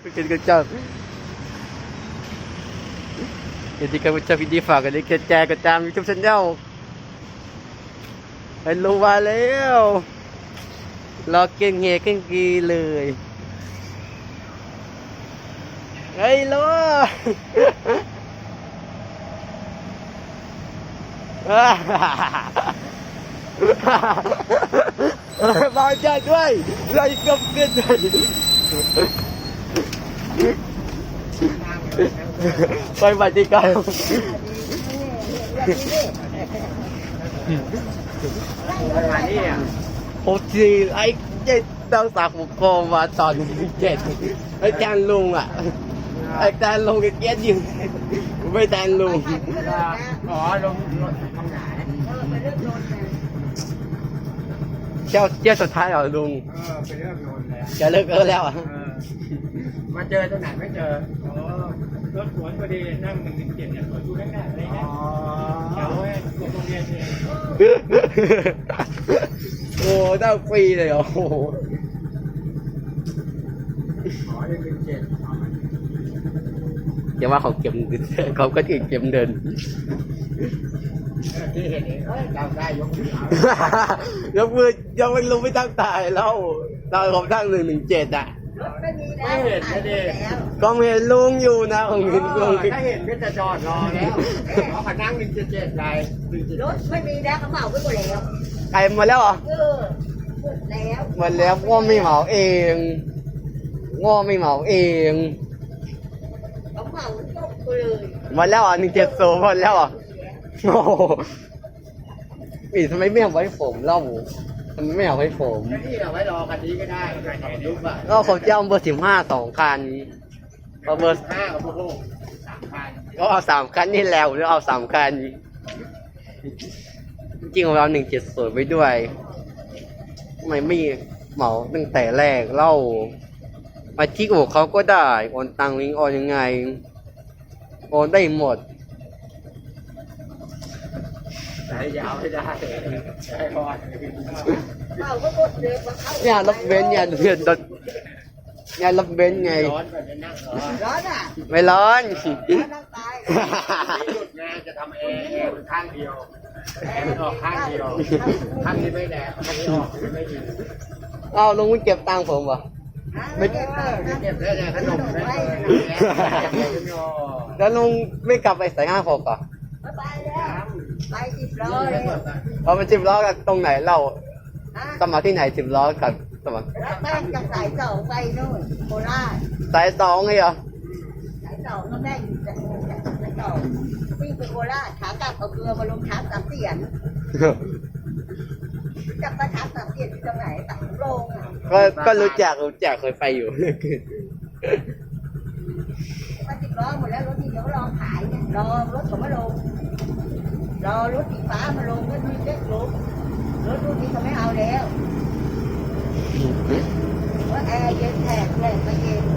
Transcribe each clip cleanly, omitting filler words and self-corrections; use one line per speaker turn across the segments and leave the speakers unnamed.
Kejap. Jadi kan macam video fak kan kecil kecam YouTube channel. Hello มาแล้วรอเก่งเฮเก่งกีเลยเฮ้ยโลมาจัดด้วยไล่กับเกินไปปฏิกรรมโอ้ทีไอ้เจ็ดดาวสาวผมโคมาตอน17ไอ้แทนลุงอ่ะไอ้แทนลุงก็เกียดอยู่ไม่แทนลุง
อ๋อลงทำงาน
เที่ยวสุดท้ายเหรอลุง
เป็นเรื่องโดนแล้ว
จะเลิกแล้วอ่ะ
มาเจอตรงไหนไม่เจออ๋อรถสวนพอดีนั่ง117เนี่ยสวนดูง่ายๆอะไรเงี้ยแถวโรงเรียนเอง
โอ้ได้ฟรีเลยโอ้โห
อ๋อ117
อย่าว่าเขาเก็บเขาก็ถึงเก็บเดิน
ที่เห็นเองจำได้ยกมื
อยกมือยังไม่รู้ไม่ตั้งตายแล้วตอนผมตั้ง117อ่ะ
ไม่เห็นเลย
ก็เห็นลุงอยู่นะผมเห็นลุง
ถ้าเห็นก็จะจอดรอแล้วเขานั่ง177ไป
รถไม่มีแล้วเขาเหมาไปหมดแล้ว
ใครมาแล้วเหรอหมดแล้วง้อไม่เหมาเองง้อไม่เหมาเอง
เขาเหมาจบไปเลย
หมดแล้วอ่ะ170หมดแล้วอ่ะโอ้ทำไมไม่เอาไว้ผมเล่าทำไมไม่เอาไว้ผม
นี่เอาไว้รอคันนี้ก็ได้ถ่ายรูปอ่ะ
ก็เขาจะเอาเบอร์15 2 คันเอาเบอร์
5กับเบอร์6 3 คัน
ก็เอา3 คันนี่แล้วหรือเอา3 คันจริงๆเรา170ไว้ด้วยทำไมไม่เหมาตั้งแต่แรกเล่ามาที่โอเขาก็ได้โอนตังลิงโอนยังไงโอนได้หมด
ใช้ยาวไม่ได้ใช้พอด
เนี่ยรับเว้นเนี่ยเดือดเนี่ยรับเว้นไง
ร้อนแบบนั่ง
ร้อนอ่ะ
ไม่ร้อน
นั่งตาย
หยุดงานจะทำแอร์ข้างเดียวแอร์มันออกข้างเดียวข้างนี้ไม่แดดข้างนี้ออกไม่ดี
เอาลุงไม่เก็บตังค์ผมวะ
ไม่เก็บ
ได้ไงขนมได้
แล้วลุงไม่กลับไปใส่56อ่ะ
ไปแล้วไป10 ล้อเลย
เอาไป10 ล้อกันตรงไหนเล่าสมัครที่ไหน10 ล้อกับสมัคร
แล้วแป้งจากสาย2ไปนู่นโคราช
สาย2ไงเหรอ
สาย2ก็แม่อยู่จากสาย2วิ่งไปโคราชขากลับเอาเกลือมาลงช้าง3 เสียนจับประทับ3 เสียนที่ตรงไหนตักโรง
ก็รู้จักเคยไปอยู่
มา10 ล้อหมดแล้วรถที่เขารอขายเนี่ยรอรถเขามาลงรอรถสีฟ้ามาลงก็มีเล็กลงรถรุ่นนี้เขาไม่เอาแล้วว่าแอร์เย็นแทนไม่เย็น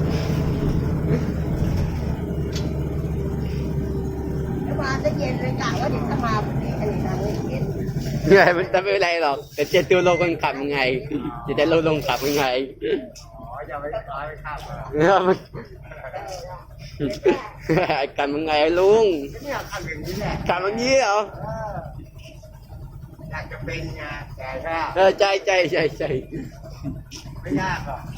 แล้วมาจะเย็นเลยกะว่าเดี๋ยวถ้ามาพอดีอะไรนะเย็น
เนี่ยมันจะไม่เป็นไรหรอกแต่จะดูลงคนขับยังไงจะได้ลงขับยังไง
อ๋อจะไม่ร้อยไม่ขับ
กันยังไงลุง
เนี่ยขับอย่างนี้แหละ
ขับอย่างนี้เหรอ
อยากจะเป็นไงแต่
ก็ใจ
ไม่ยากหรอก